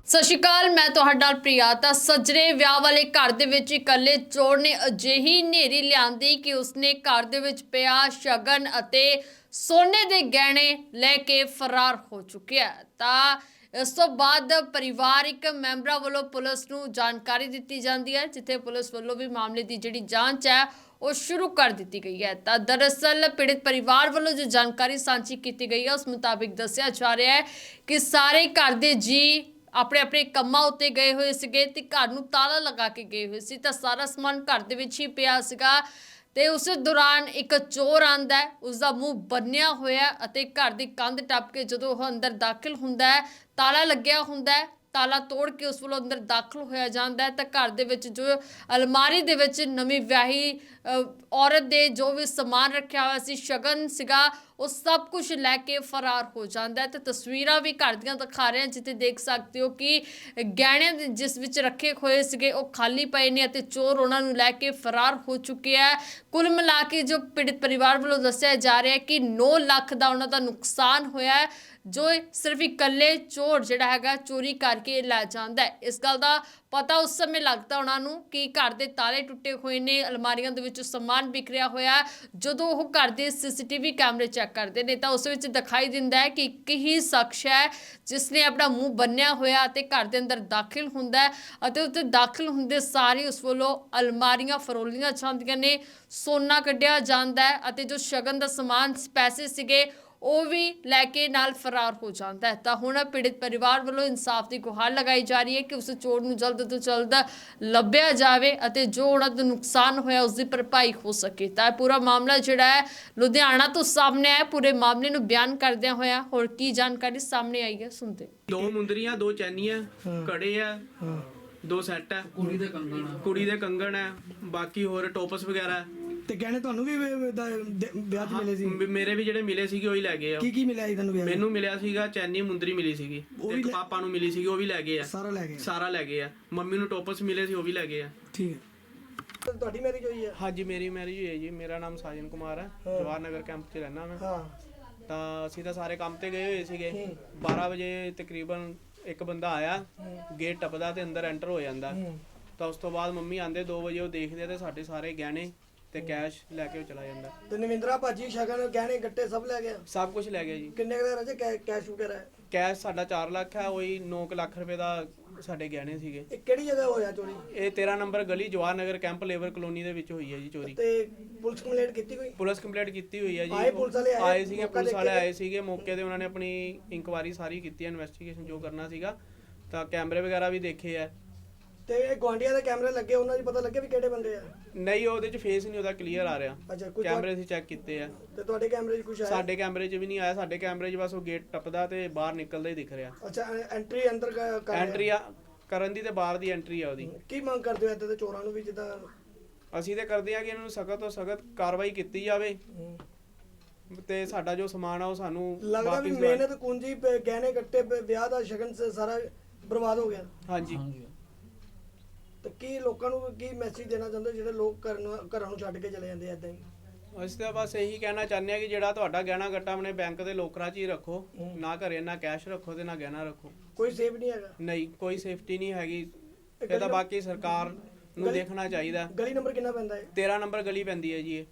ਸਤਿ ਸ਼੍ਰੀ ਅਕਾਲ, ਮੈਂ ਤੁਹਾਡਾ ਨਾਲ ਪ੍ਰਿਆ। ਤਾਂ ਸੱਜਰੇ ਵਿਆਹ ਵਾਲੇ ਘਰ ਦੇ ਵਿੱਚ ਇਕੱਲੇ ਚੋਰ ਨੇ ਅਜਿਹੀ ਹਨੇਰੀ ਲਿਆਂਦੀ ਕਿ ਉਸਨੇ ਘਰ ਦੇ ਵਿੱਚ ਪਿਆ ਸ਼ਗਨ ਅਤੇ ਸੋਨੇ ਦੇ ਗਹਿਣੇ ਲੈ ਕੇ ਫਰਾਰ ਹੋ ਚੁੱਕਿਆ। ਤਾਂ ਇਸ ਤੋਂ ਬਾਅਦ ਪਰਿਵਾਰਿਕ ਮੈਂਬਰਾਂ ਵੱਲੋਂ ਪੁਲਿਸ ਨੂੰ ਜਾਣਕਾਰੀ ਦਿੱਤੀ ਜਾਂਦੀ ਹੈ, ਜਿੱਥੇ ਪੁਲਿਸ ਵੱਲੋਂ ਵੀ ਮਾਮਲੇ ਦੀ ਜਿਹੜੀ ਜਾਂਚ ਹੈ ਉਹ ਸ਼ੁਰੂ ਕਰ ਦਿੱਤੀ ਗਈ ਹੈ। ਤਾਂ ਦਰਅਸਲ ਪੀੜਿਤ ਪਰਿਵਾਰ ਵੱਲੋਂ ਜੋ ਜਾਣਕਾਰੀ ਸਾਂਝੀ ਕੀਤੀ ਗਈ ਹੈ ਉਸ ਮੁਤਾਬਿਕ ਦੱਸਿਆ ਜਾ ਰਿਹਾ ਹੈ ਕਿ ਸਾਰੇ ਘਰ ਦੇ ਜੀ ਆਪਣੇ ਆਪਣੇ ਕੰਮਾਂ ਉੱਤੇ ਗਏ ਹੋਏ ਸੀਗੇ ਤੇ ਘਰ ਨੂੰ ਤਾਲਾ ਲਗਾ ਕੇ ਗਏ ਹੋਏ ਸੀ। ਤਾਂ ਸਾਰਾ ਸਮਾਨ ਘਰ ਦੇ ਵਿੱਚ ਹੀ ਪਿਆ ਸੀਗਾ ਤੇ ਉਸ ਦੌਰਾਨ ਇੱਕ ਚੋਰ ਆਂਦਾ ਹੈ, ਉਸਦਾ ਮੂੰਹ ਬੰਨਿਆ ਹੋਇਆ ਅਤੇ ਘਰ ਦੀ ਕੰਧ ਟੱਪ ਕੇ ਜਦੋਂ ਉਹ ਅੰਦਰ ਦਾਖਲ ਹੁੰਦਾ ਹੈ, ਤਾਲਾ ਲੱਗਿਆ ਹੁੰਦਾ ਹੈ, ਤਾਲਾ ਤੋੜ ਕੇ ਉਸ ਵੱਲੋਂ ਅੰਦਰ ਦਾਖਲ ਹੋਇਆ ਜਾਂਦਾ ਹੈ। ਤਾਂ ਘਰ ਦੇ ਵਿੱਚ ਜੋ ਅਲਮਾਰੀ ਦੇ ਵਿੱਚ ਨਵੀਂ ਵਿਆਹੀ ਔਰਤ ਦੇ ਜੋ ਵੀ ਸਮਾਨ ਰੱਖਿਆ ਹੋਇਆ ਸੀ, ਸ਼ਗਨ ਸੀਗਾ, ਉਹ ਸਭ ਕੁਝ ਲੈ ਕੇ ਫਰਾਰ ਹੋ ਜਾਂਦਾ ਹੈ। ਤੇ ਤਸਵੀਰਾਂ ਵੀ ਘਰ ਦੀਆਂ ਦਿਖਾ ਰਹੇ ਹਾਂ, ਜਿੱਥੇ ਦੇਖ ਸਕਦੇ ਹੋ ਕਿ ਗਹਿਣੇ ਜਿਸ ਵਿੱਚ ਰੱਖੇ ਹੋਏ ਸੀਗੇ ਉਹ ਖਾਲੀ ਪਏ ਨੇ ਅਤੇ ਚੋਰ ਉਹਨਾਂ ਨੂੰ ਲੈ ਕੇ ਫਰਾਰ ਹੋ ਚੁੱਕੇ ਹੈ। ਕੁੱਲ ਮਿਲਾ ਕੇ ਜੋ ਪੀੜਿਤ ਪਰਿਵਾਰ ਵੱਲੋਂ ਦੱਸਿਆ ਜਾ ਰਿਹਾ ਹੈ ਕਿ 9 ਲੱਖ ਦਾ ਉਹਨਾਂ ਦਾ ਨੁਕਸਾਨ ਹੋਇਆ ਹੈ, ਜੋ ਸਿਰਫ ਇਕੱਲੇ ਚੋਰ ਜਿਹੜਾ ਹੈਗਾ ਚੋਰੀ ਕਰਕੇ ਲੈ ਜਾਂਦਾ ਹੈ। ਇਸ ਗੱਲ ਦਾ ਪਤਾ ਉਸ ਸਮੇਂ ਲੱਗਦਾ ਉਹਨਾਂ ਨੂੰ ਕਿ ਘਰ ਦੇ ਤਾਲੇ ਟੁੱਟੇ ਹੋਏ ਨੇ, ਅਲਮਾਰੀਆਂ ਦੇ ਵਿੱਚ ਸਮਾਨ ਵਿਖਰਿਆ ਹੋਇਆ। ਜਦੋਂ ਉਹ ਘਰ ਦੇ ਸੀਸੀਟੀਵੀ ਕੈਮਰੇ ਚੈੱਕ ਕਰਦੇ ਨੇ ਤਾਂ ਉਸ ਵਿੱਚ ਦਿਖਾਈ ਦਿੰਦਾ ਹੈ ਕਿ ਇੱਕ ਹੀ ਸ਼ਖਸ ਹੈ ਜਿਸ ਨੇ ਆਪਣਾ ਮੂੰਹ ਬੰਨਿਆ ਹੋਇਆ ਅਤੇ ਘਰ ਦੇ ਅੰਦਰ ਦਾਖਲ ਹੁੰਦਾ ਹੈ ਅਤੇ ਉੱਥੇ ਦਾਖਲ ਹੁੰਦੇ ਸਾਰੀ ਉਸ ਵੱਲੋਂ ਅਲਮਾਰੀਆਂ ਫਰੋਲੀਆਂ ਜਾਂਦੀਆਂ ਨੇ, ਸੋਨਾ ਕੱਢਿਆ ਜਾਂਦਾ ਹੈ ਅਤੇ ਜੋ ਸ਼ਗਨ ਦਾ ਸਮਾਨ ਪੈਸੇ ਸੀਗੇ ਉਹ ਵੀ ਲੈ ਕੇ ਨਾਲ ਫਰਾਰ ਹੋ ਜਾਂਦਾ ਹੈ। ਤਾਂ ਹੁਣ ਪੀੜਿਤ ਪਰਿਵਾਰ ਵੱਲੋਂ ਇਨਸਾਫ ਦੀ ਗੁਹਾਰ ਲਗਾਈ ਜਾ ਰਹੀ ਹੈ ਕਿ ਉਸ ਚੋਰ ਨੂੰ ਜਲਦ ਤੋਂ ਜਲਦ ਲੱਭਿਆ ਜਾਵੇ ਅਤੇ ਜੋ ਉਹਨਾਂ ਦਾ ਨੁਕਸਾਨ ਹੋਇਆ ਉਸ ਦੀ ਭਰਪਾਈ ਹੋ ਸਕੇ। ਤਾਂ ਪੂਰਾ ਮਾਮਲਾ ਜਿਹੜਾ ਹੈ ਲੁਧਿਆਣਾ ਤੋਂ ਸਾਹਮਣੇ ਆਇਆ। ਪੂਰੇ ਮਾਮਲੇ ਨੂੰ ਬਿਆਨ ਕਰਦਿਆਂ ਹੋਇਆ ਹੋਰ ਕੀ ਜਾਣਕਾਰੀ ਸਾਹਮਣੇ ਆਈ ਹੈ, ਸੁਣਦੇ। 2 ਮੁੰਦਰੀਆਂ, 2 ਚੈਨੀਆਂ, ਕੜੇ ਆ, 2 ਸੈੱਟ ਆ, ਕੁੜੀ ਦੇ ਕੰਗਣ ਆ, ਬਾਕੀ ਹੋਰ ਟੋਪਸ ਵਗੈਰਾ। ਤੇ ਗਹਿਣੇ ਤੁਹਾਨੂੰ ਵੀ ਵਿਆਹ 'ਚ ਮਿਲੇ ਸੀ? ਮੇਰੇ ਵੀ ਜਿਹੜੇ ਮਿਲੇ ਸੀਗੇ ਉਹੀ ਲੈ ਗਏ ਆ। ਕੀ ਮਿਲਿਆ ਸੀ ਤੁਹਾਨੂੰ ਵਿਆਹ 'ਚ? ਮੈਨੂੰ ਮਿਲਿਆ ਸੀਗਾ ਚੈਨੀ ਮੁੰਦਰੀ ਮਿਲੀ ਸੀਗੀ, ਇੱਕ ਪਾਪਾ ਨੂੰ ਮਿਲੀ ਸੀਗੀ ਉਹ ਵੀ ਲੈ ਗਏ ਆ। ਸਾਰਾ ਲੈ ਗਏ ਆ। ਮੰਮੀ ਨੂੰ ਟੋਪਸ ਮਿਲੇ ਸੀ ਉਹ ਵੀ ਲੈ ਗਏ ਆ। ਠੀਕ ਹੈ। ਤੁਹਾਡੀ ਮੈਰਿਜ ਹੋਈ ਹੈ? ਹਾਂਜੀ, ਮੇਰੀ ਮੈਰਿਜ ਹੋਈ ਹੈ ਜੀ। ਮੇਰਾ ਨਾਮ ਸਾਜਨ ਕੁਮਾਰ ਹੈ, ਜਵਾਹਰ ਨਗਰ ਕੈਂਪ 'ਚ ਰਹਿਣਾ ਮੈਂ। ਤਾਂ ਅਸੀਂ ਤਾਂ ਸਾਰੇ ਕੰਮ ਤੇ ਗਏ ਹੋਏ ਸੀਗੇ। 12 ਵਜੇ ਤਕਰੀਬਨ ਇੱਕ ਬੰਦਾ ਆਇਆ, ਗੇਟ ਟੱਪਦਾ ਤੇ ਅੰਦਰ ਐਂਟਰ ਹੋ ਜਾਂਦਾ। ਤਾਂ ਉਸ ਤੋਂ ਬਾਅਦ ਮੰਮੀ ਆਂਦੇ 2 ਵਜੇ, ਉਹ ਦੇਖਦੇ ਤੇ ਸਾਡੇ ਸਾਰੇ ਗਹਿਣੇ ਤੇ ਕੈਸ਼ ਲੈ ਕੇ ਉਹ ਚਲਾ ਜਾਂਦਾ। ਤੇ ਨਵਿੰਦਰਾ ਭਾਜੀ ਸ਼ਗਨ ਗਹਿਣੇ ਗੱਟੇ ਸਭ ਲੈ ਗਿਆ? ਸਭ ਕੁਝ ਲੈ ਗਿਆ ਜੀ। ਕਿੰਨੇ ਦਾ ਰਜੇ ਕੈਸ਼ ਵਗੈਰਾ? ਕੈਸ਼ ਸਾਡਾ 4 ਲੱਖ ਹੈ, ਉਹੀ 9 ਲੱਖ ਰੁਪਏ ਦਾ ਸਾਡੇ ਗਹਿਣੇ ਸੀਗੇ। ਇਹ ਕਿਹੜੀ ਜਗ੍ਹਾ ਹੋਇਆ ਚੋਰੀ? ਇਹ 13 ਨੰਬਰ ਗਲੀ Jawahar Nagar camp labour colony ਦੇ ਵਿੱਚ ਹੋਈ ਹੈ ਜੀ ਚੋਰੀ। ਤੇ ਪੁਲਿਸ ਕੰਪਲੇਂਟ ਕੀਤੀ ਕੋਈ? ਪੁਲਿਸ ਕੰਪਲੇਂਟ ਕੀਤੀ ਹੋਈ ਹੈ ਜੀ। ਆਏ ਪੁਲਿਸ ਵਾਲੇ? ਆਏ ਸੀਗੇ, ਪੁਲਿਸ ਵਾਲੇ ਆਏ ਸੀਗੇ ਮੌਕੇ ਤੇ। ਉਹਨਾਂ ਨੇ ਆਪਣੀ ਇਨਕੁਆਇਰੀ ਸਾਰੀ ਕੀਤੀ ਹੈ, ਇਨਵੈਸਟੀਗੇਸ਼ਨ ਜੋ ਕਰਨਾ ਸੀਗਾ। ਤਾਂ ਕੈਮਰੇ ਵਗੈਰਾ ਵੀ ਦੇਖੇ ਆ। ਤੇ ਇਹ ਗਵਾਂਡੀਆਂ ਦੇ ਕੈਮਰੇ ਲੱਗੇ, ਉਹਨਾਂ ਦੀ ਪਤਾ ਲੱਗਿਆ ਵੀ ਕਿਹੜੇ ਬੰਦੇ ਆ? ਨਹੀਂ, ਉਹਦੇ 'ਚ ਫੇਸ ਨਹੀਂ ਉਹਦਾ ਕਲੀਅਰ ਆ ਰਿਹਾ। ਅੱਛਾ, ਕੋਈ ਕੈਮਰੇ ਅਸੀਂ ਚੈੱਕ ਕੀਤੇ ਆ। ਤੇ ਤੁਹਾਡੇ ਕੈਮਰੇ 'ਚ ਕੁਝ ਆਇਆ? ਸਾਡੇ ਕੈਮਰੇ 'ਚ ਵੀ ਨਹੀਂ ਆਇਆ। ਸਾਡੇ ਕੈਮਰੇ 'ਚ ਬਸ ਉਹ ਗੇਟ ਟੱਪਦਾ ਤੇ ਬਾਹਰ ਨਿਕਲਦਾ ਹੀ ਦਿਖ ਰਿਹਾ। ਅੱਛਾ, ਐਂਟਰੀ ਅੰਦਰ ਕਰ ਐਂਟਰੀ ਕਰਨ ਦੀ ਤੇ ਬਾਹਰ ਦੀ ਐਂਟਰੀ ਆ ਉਹਦੀ। ਕੀ ਮੰਗ ਕਰਦੇ ਹੋ ਇੱਦਾਂ ਦੇ ਚੋਰਾਂ ਨੂੰ ਵੀ? ਜਿੱਦਾਂ ਅਸੀਂ ਤੇ ਕਰਦੇ ਆ ਕਿ ਇਹਨਾਂ ਨੂੰ ਸਖਤ ਤੋਂ ਸਖਤ ਕਾਰਵਾਈ ਕੀਤੀ ਜਾਵੇ ਤੇ ਸਾਡਾ ਜੋ ਸਮਾਨ ਆ ਉਹ ਸਾਨੂੰ ਲੱਗਦਾ ਵੀ ਮਿਹਨਤ ਕੁੰਜੀ ਗਹਿਣੇ ਗੱਟੇ ਵਿਆਹ ਦਾ ਸ਼ਗਨ ਸਾਰਾ ਬਰਬਾਦ ਹੋ ਗਿਆ। ਹਾਂਜੀ। ਤੇ ਕੀ ਲੋਕਾਂ ਨੂੰ ਕੀ ਮੈਸੇਜ ਦੇਣਾ ਚਾਹੁੰਦੇ ਜਿਹੜੇ ਲੋਕ ਘਰਾਂ ਨੂੰ ਛੱਡ ਕੇ ਚਲੇ ਜਾਂਦੇ ਏਦਾਂ ਹੀ? ਅਸੀਂ ਤਾਂ ਬਸ ਇਹੀ ਕਹਿਣਾ ਚਾਹੁੰਦੇ ਆ ਕਿ ਜਿਹੜਾ ਤੁਹਾਡਾ ਗਹਿਣਾ ਗੱਟਾ ਆਪਣੇ ਬੈਂਕ ਦੇ ਲੋਕਰਾਂ 'ਚ ਹੀ ਰੱਖੋ, ਨਾ ਘਰੇ ਨਾ ਕੈਸ਼ ਰੱਖੋ ਤੇ ਨਾ ਗਹਿਣਾ ਰੱਖੋ। ਕੋਈ ਸੇਫ ਨਹੀਂ ਹੈਗਾ? ਨਹੀਂ, ਕੋਈ ਸੇਫਟੀ ਨਹੀਂ ਹੈਗੀ। ਇਹ ਤਾਂ ਬਾਕੀ ਸਰਕਾਰ ਨੂੰ ਦੇਖਣਾ ਚਾਹੀਦਾ। ਗਲੀ ਨੰਬਰ ਕਿੰਨਾ ਪੈਂਦਾ ਹੈ? 13 ਨੰਬਰ ਗਲੀ ਪੈਂਦੀ ਹੈ ਜੀ ਇਹ।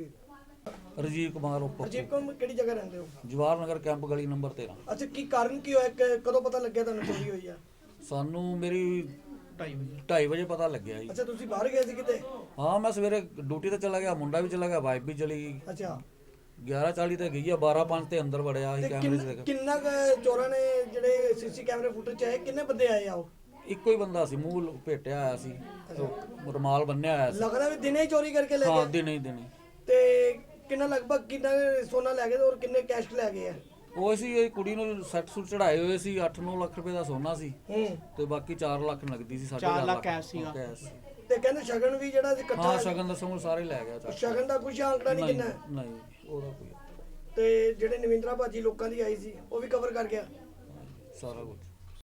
ਰਜੀਵ ਕੁਮਾਰ ਰਜੀਵ ਕੁਮਾਰ, ਕਿਹੜੀ ਜਗ੍ਹਾ ਰਹਿੰਦੇ ਹੋ? ਜਵਾਹਰ ਨਗਰ ਕੈਂਪ ਗਲੀ ਨੰਬਰ 13। ਅੱਛਾ, ਕੀ ਕਾਰਨ ਕੀ ਹੋਇਆ? ਕਦੋਂ ਪਤਾ ਲੱਗਿਆ ਤੁਹਾਨੂੰ ਚੋਰੀ ਹੋਈ ਆ? ਸਾਨੂੰ ਮੇਰੀ 2:30 ਵਜੇ ਪਤਾ ਲੱਗਿਆ ਜੀ। ਅੱਛਾ, ਤੁਸੀਂ ਬਾਹਰ ਗਏ ਸੀ ਕਿਤੇ? ਹਾਂ, ਮੈਂ ਸਵੇਰੇ ਡਿਊਟੀ ਤੇ ਚਲਾ ਗਿਆ, ਮੁੰਡਾ ਵੀ ਚਲਾ ਗਿਆ, ਵਾਈਫ ਵੀ ਚਲੀ ਗਈ। ਅੱਛਾ, 11:40 ਤੇ ਗਈ ਆ, 12:05 ਤੇ ਅੰਦਰ ਵੜਿਆ ਸੀ ਕੈਮਰੇ 'ਚ ਦੇਖ। ਕਿੰਨਾ ਚੋਰਾਂ ਨੇ ਜਿਹੜੇ ਸੀਸੀ ਕੈਮਰੇ ਫੁਟੇਜ 'ਚ ਆਏ, ਕਿੰਨੇ ਬੰਦੇ ਆਏ ਆ? ਉਹ ਇੱਕੋ ਹੀ ਬੰਦਾ ਸੀ, ਮੂੰਹ ਲਪੇਟਿਆ ਆਇਆ ਸੀ, ਰੁਮਾਲ ਬੰਨਿਆ ਹੋਇਆ ਸੀ। ਲੱਗਦਾ ਵੀ ਦਿਨੇ ਹੀ ਚੋਰੀ ਕਰਕੇ ਲੈ ਗਏ? ਹਾਂ, ਦਿਨੇ। ਤੇ ਕਿੰਨਾ ਲਗਭਗ ਕਿੰਨਾ ਸੋਨਾ ਲੈ ਗਏ ਔਰ ਕਿੰਨੇ ਕੈਸ਼ ਲੈ ਗਏ ਆ? ਉਹ ਸੀ ਇਹ ਕੁੜੀ ਨੂੰ ਸੈੱਟ ਸੂਟ ਚੜਾਏ ਹੋਏ ਸੀ, 8-9 ਲੱਖ ਰੁਪਏ ਦਾ ਸੋਨਾ ਸੀ ਤੇ ਬਾਕੀ 4 ਲੱਖ ਨਗਦੀ ਸੀ। 4 ਲੱਖ ਕੈਸ਼ ਸੀਗਾ। ਤੇ ਕਹਿੰਦੇ ਸ਼ਗਨ ਵੀ ਜਿਹੜਾ ਇਕੱਠਾ? ਹਾਂ, ਸ਼ਗਨ ਦਾ ਸਮੂਹ ਸਾਰੇ ਲੈ ਗਿਆ। ਸ਼ਗਨ ਦਾ ਕੁਝ ਆਂਕੜਾ ਨਹੀਂ ਕਿੰਨਾ? ਨਹੀਂ, ਉਹਦਾ ਕੋਈ। ਤੇ ਜਿਹੜੇ ਨਵਿੰਦਰਾ ਭਾਜੀ ਲੋਕਾਂ ਦੀ ਆਈ ਸੀ ਉਹ ਵੀ ਕਵਰ ਕਰ ਗਿਆ ਸਾਰਾ ਕੁਝ।